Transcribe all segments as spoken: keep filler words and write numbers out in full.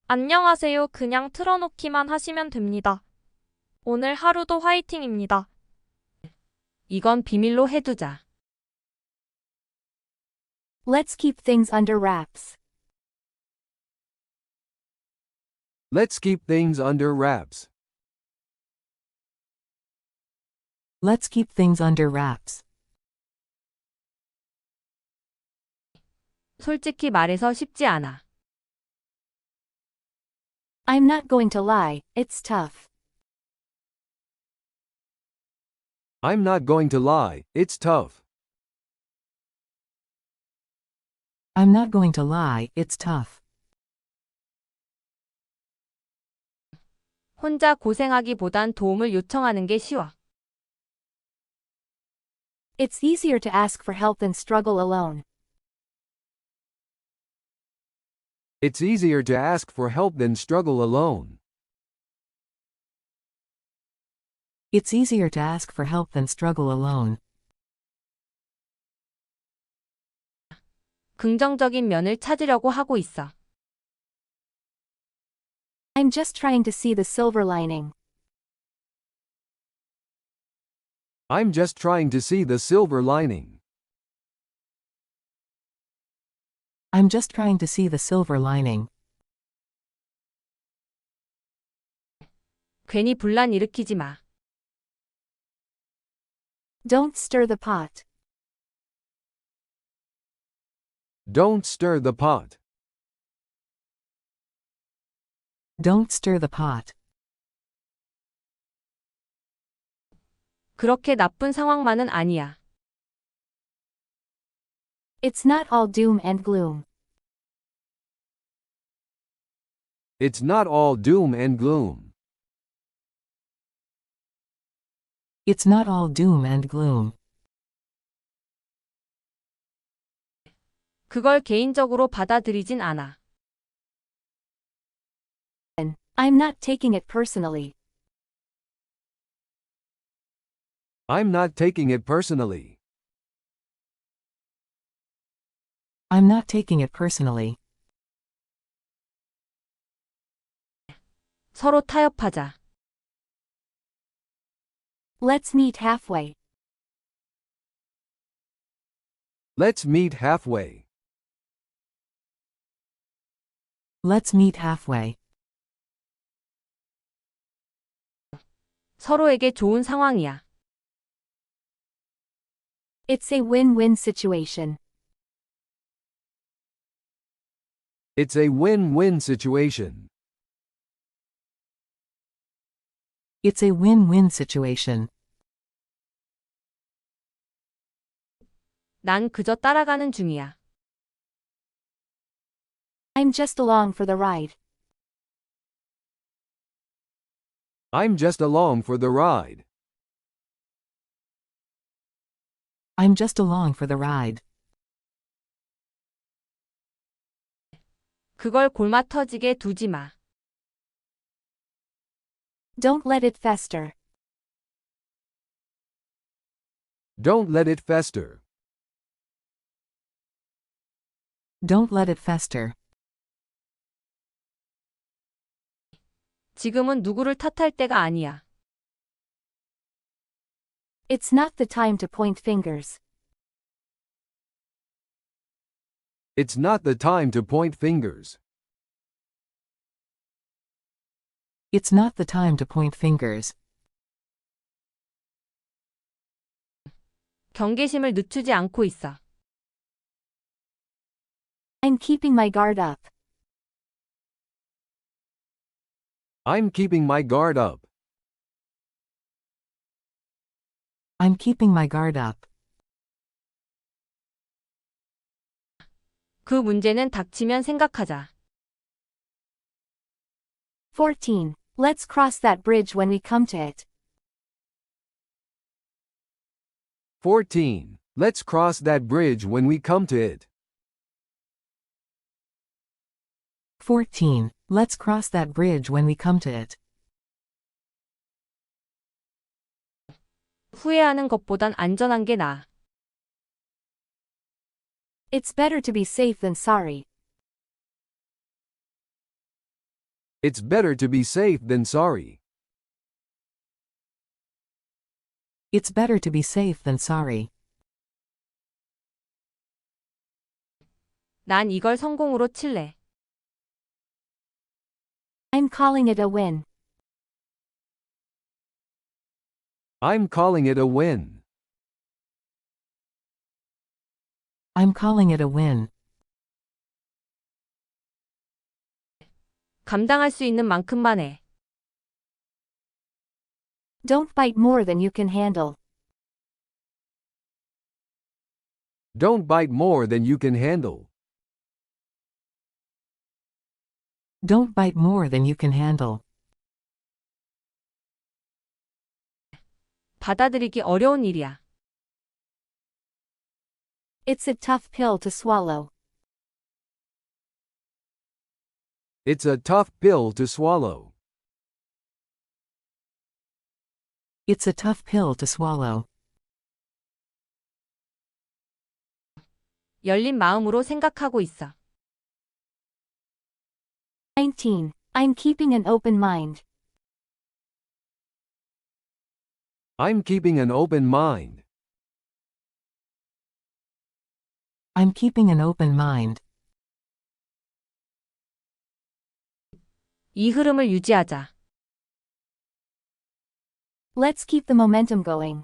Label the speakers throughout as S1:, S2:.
S1: 안녕하세요. 그냥 틀어놓기만 하시면 됩니다. 오늘 하루도 화이팅입니다.
S2: 이건 비밀로 해두자.
S3: Let's keep things under wraps.
S4: Let's keep things under wraps.
S5: Let's keep things under wraps.
S2: 솔직히 말해서 쉽지 않아.
S3: I'm not going to lie, it's tough.
S4: I'm not going to lie, it's tough.
S5: I'm not going to lie, it's tough.
S2: 혼자 고생하기보단 도움을 요청하는 게 쉬워.
S3: It's easier to ask for help than struggle alone.
S4: It's easier to ask for help than struggle alone.
S5: It's easier to ask for help than struggle alone.
S2: 긍정적인 면을 찾으려고 하고 있어.
S3: I'm just trying to see the silver lining.
S4: I'm just trying to see the silver lining.
S5: I'm just trying to see the silver lining.
S2: 괜히 분란 일으키지 마.
S3: Don't stir the pot.
S4: Don't stir the pot.
S5: Don't stir the pot.
S2: 그렇게 나쁜 상황만은 아니야.
S3: It's not all doom and gloom.
S4: It's not all doom and gloom.
S5: It's not all doom and gloom.
S2: 그걸 개인적으로 받아들이진 않아.
S3: I'm not taking it personally.
S4: I'm not taking it personally.
S5: I'm not taking it personally.
S2: 서로 타협하자.
S3: Let's meet halfway.
S4: Let's meet halfway.
S5: Let's meet halfway.
S2: 서로에게 좋은 상황이야.
S3: It's a win-win situation.
S4: It's a win-win situation.
S5: It's a win-win situation.
S2: 난 그저 따라가는 중이야.
S3: I'm just along for the ride.
S4: I'm just along for the ride.
S5: I'm just along for the ride.
S2: 그걸 골마 터지게 두지 마.
S3: Don't let it fester.
S4: Don't let it fester.
S5: Don't let it fester.
S2: 지금은 누구를 탓할 때가 아니야.
S3: It's not the time to point fingers.
S4: It's not the time to point fingers.
S5: It's not the time to point fingers.
S2: 경계심을 늦추지 않고 있어.
S3: I'm keeping my guard up.
S4: I'm keeping my guard up.
S5: I'm keeping my guard up.
S2: 그 문제는 닥치면 생각하자.
S3: fourteen. Let's cross that bridge when we come to it.
S4: fourteen. Let's cross that bridge when we come to it.
S5: fourteen. Let's cross that bridge when we come to it.
S2: 후회하는 것보단 안전한 게 나아.
S3: It's better to be safe than sorry.
S4: It's better to be safe than sorry.
S5: It's better to be safe than sorry.
S2: 난 이걸 성공으로 칠래.
S3: I'm calling it a win.
S4: I'm calling it a win.
S5: I'm calling it a win.
S2: 감당할 수 있는 만큼만 해.
S3: Don't bite more than you can handle.
S4: Don't bite more than you can handle.
S5: Don't bite more than you can handle.
S2: 받아들이기 어려운 일이야.
S3: It's a tough pill to swallow.
S4: It's a tough pill to swallow.
S5: It's a tough pill to swallow.
S2: 열린 마음으로 생각하고 있어.
S3: nineteen. I'm keeping an open mind.
S4: I'm keeping an open mind.
S5: I'm keeping an open mind.
S2: 이 흐름을 유지하자.
S3: Let's keep the momentum going.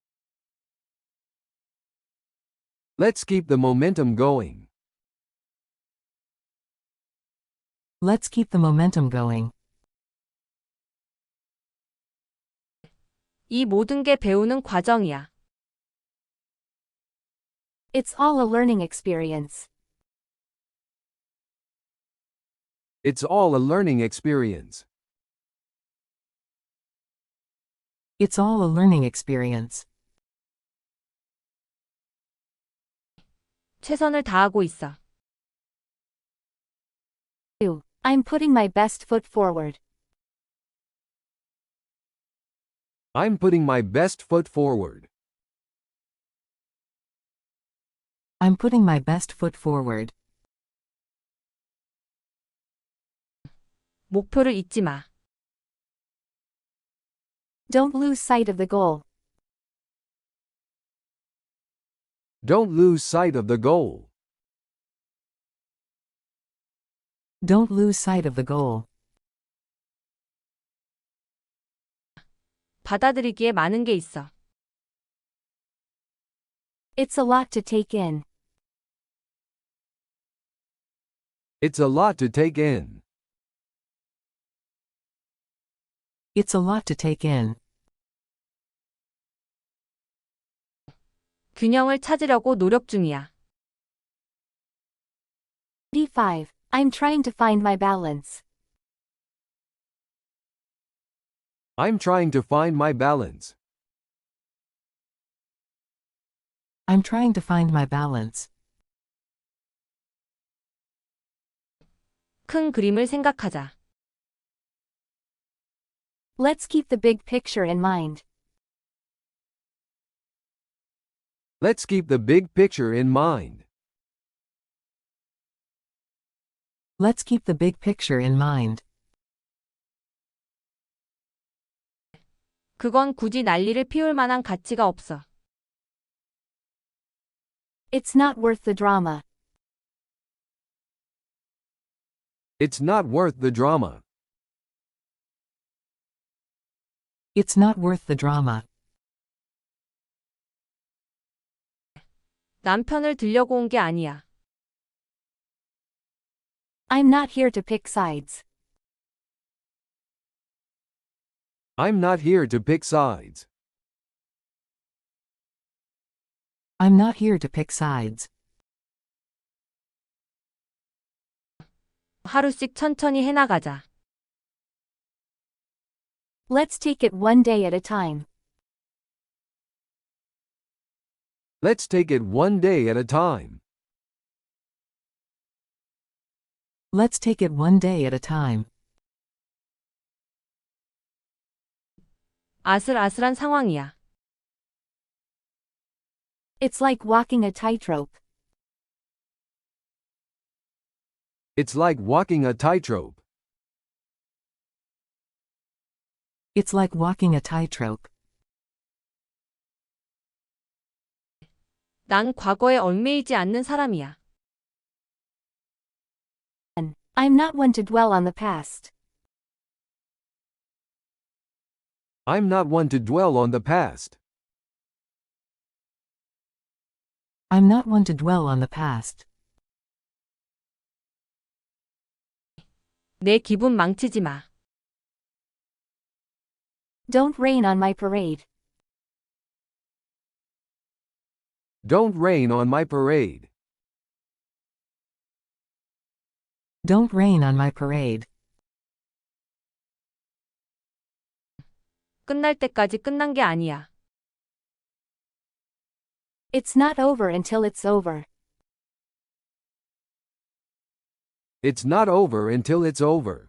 S4: Let's keep the momentum going.
S5: Let's keep the momentum going.
S2: 이 모든 게 배우는 과정이야.
S3: It's all a learning experience.
S4: It's all a learning experience.
S5: It's all a learning experience.
S2: 최선을 다하고 있어.
S3: two. I'm putting my best foot forward.
S4: I'm putting my best foot forward.
S5: I'm putting my best foot forward.
S2: 목표를 잊지 마.
S3: Don't lose sight of the goal.
S4: Don't lose sight of the goal.
S5: Don't lose sight of the goal.
S2: 받아들이기에 많은 게 있어.
S3: It's a lot to take in.
S4: It's a lot to take in.
S5: It's a lot to take in.
S2: 균형을 찾으려고 노력 중이야.
S3: eighty-five. I'm trying to find my balance.
S4: I'm trying to find my balance.
S5: I'm trying to find my balance.
S2: 큰 그림을 생각하자.
S3: Let's keep the big picture in mind.
S4: Let's keep the big picture in mind.
S5: Let's keep the big picture in mind.
S2: 그건 굳이 난리를 피울 만한 가치가 없어.
S3: It's not worth the drama.
S4: It's not worth the drama.
S5: It's not worth the drama.
S2: 남편을 들려고 온 게 아니야.
S3: I'm not here to pick sides.
S4: I'm not here to pick sides.
S5: I'm not here to pick sides.
S2: 하루씩 천천히 해나가자.
S3: Let's take it one day at a time.
S4: Let's take it one day at a time.
S5: Let's take it one day at a time.
S2: 아슬아슬한 상황이야.
S3: It's like walking a tightrope.
S4: It's like walking a tightrope.
S5: It's like walking a tightrope.
S2: 난 과거에 얽매이지 않는 사람이야.
S3: I'm not one to dwell on the past.
S4: I'm not one to dwell on the past.
S5: I'm not one to dwell on the past.
S2: 내 기분 망치지 마.
S3: Don't rain on my parade.
S4: Don't rain on my parade.
S5: Don't rain on my parade.
S2: 끝날 때까지 끝난 게 아니야.
S3: It's not over until it's over.
S4: It's not over until it's over.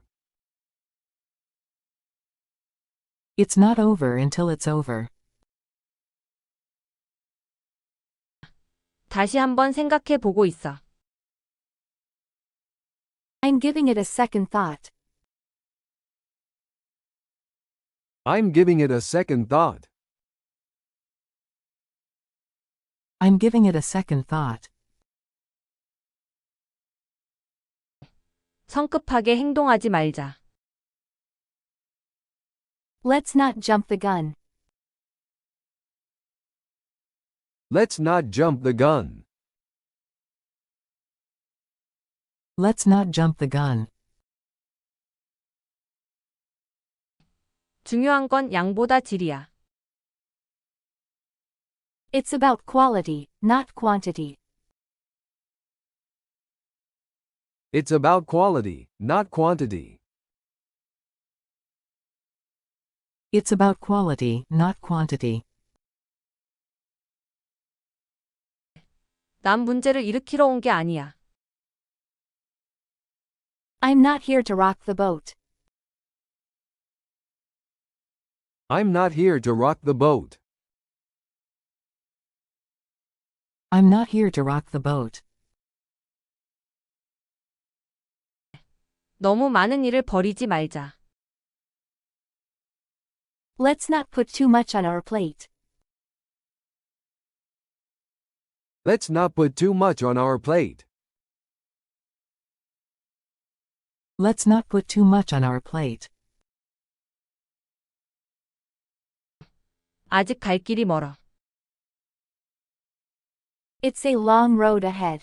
S5: It's not over until it's over.
S2: 다시 한번 생각해 보고 있어.
S3: I'm giving it a second thought.
S4: I'm giving it a second thought.
S5: I'm giving it a second thought.
S2: 성급하게 행동하지 말자.
S3: Let's not jump the gun.
S4: Let's not jump the gun.
S5: Let's not jump the gun.
S2: 중요한 건 양보다 질이야.
S3: It's about quality, not quantity.
S4: It's about quality, not quantity.
S5: It's about quality, not quantity.
S2: 난 문제를 일으키러 온 게 아니야.
S3: I'm not here to rock the boat.
S4: I'm not here to rock the boat.
S5: I'm not here to rock the boat.
S2: 너무 많은 일을 버리지 말자.
S3: Let's not put too much on our plate.
S4: Let's not put too much on our plate.
S5: Let's not put too much on our plate.
S2: 아직 갈 길이 멀어.
S3: It's a long road ahead.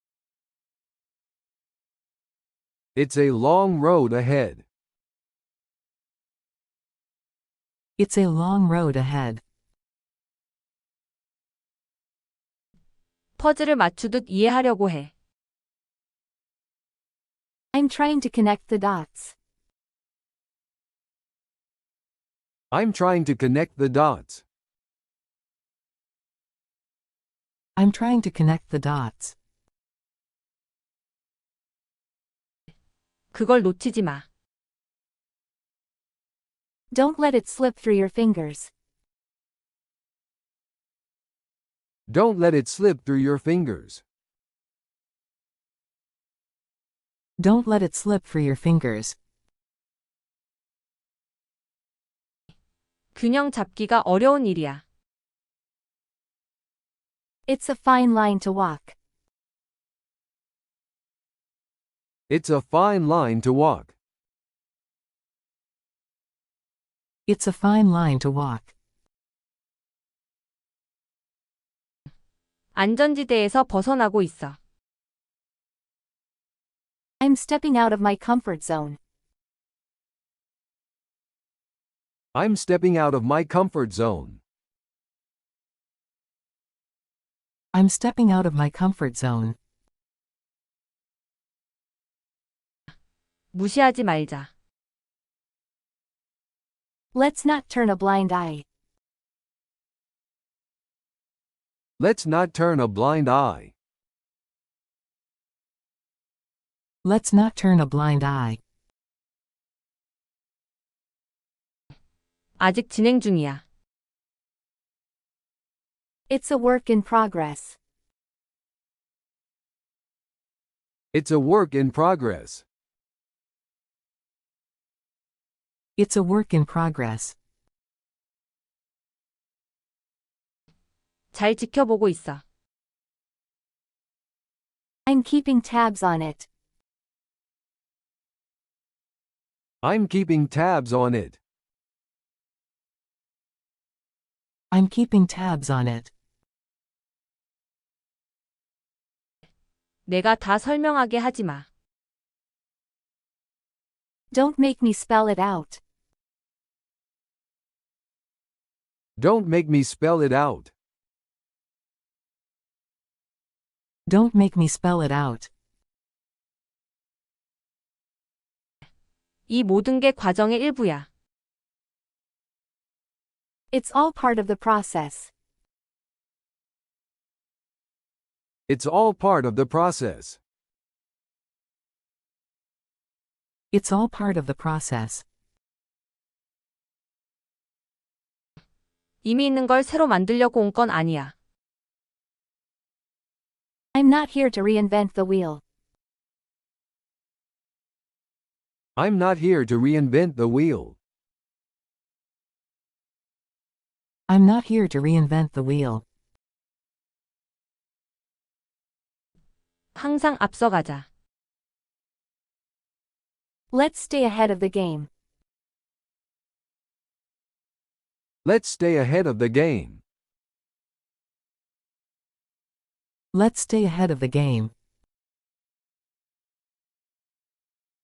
S4: It's a long road ahead.
S5: It's a long road ahead.
S2: 퍼즐을 맞추듯 이해하려고 해.
S3: I'm trying to connect the dots.
S4: I'm trying to connect the dots.
S5: I'm trying to connect the dots.
S2: 그걸 놓치지 마.
S3: Don't let it slip through your fingers.
S4: Don't let it slip through your fingers.
S5: Don't let it slip through your fingers.
S2: 균형 잡기가 어려운 일이야.
S3: It's a fine line to walk.
S4: It's a fine line to walk.
S5: It's a fine line to walk.
S2: 안전지대에서 벗어나고 있어.
S3: I'm stepping out of my comfort zone.
S4: I'm stepping out of my comfort zone.
S5: I'm stepping out of my comfort zone.
S2: 무시하지 말자.
S3: Let's not turn a blind eye.
S4: Let's not turn a blind eye.
S5: Let's not turn a blind eye.
S2: 아직 진행 중이야.
S3: It's a work in progress.
S4: It's a work in progress.
S5: It's a work in progress.
S2: 잘 지켜보고 있어.
S3: I'm keeping tabs on it.
S4: I'm keeping tabs on it.
S5: I'm keeping tabs on it.
S2: 내가 다 설명하게 하지 마.
S3: Don't make me spell it out.
S4: Don't make me spell it out.
S5: Don't make me spell it out.
S2: 이 모든 게 과정의 일부야.
S3: It's all part of the process.
S4: It's all part of the process.
S5: It's all part of the process.
S2: 이미 있는 걸 새로 만들려고 온 건 아니야.
S3: I'm not here to reinvent the wheel.
S4: I'm not here to reinvent the wheel.
S5: I'm not here to reinvent the wheel.
S2: 항상 앞서가자.
S3: Let's stay ahead of the game.
S4: Let's stay ahead of the game.
S5: Let's stay ahead of the game.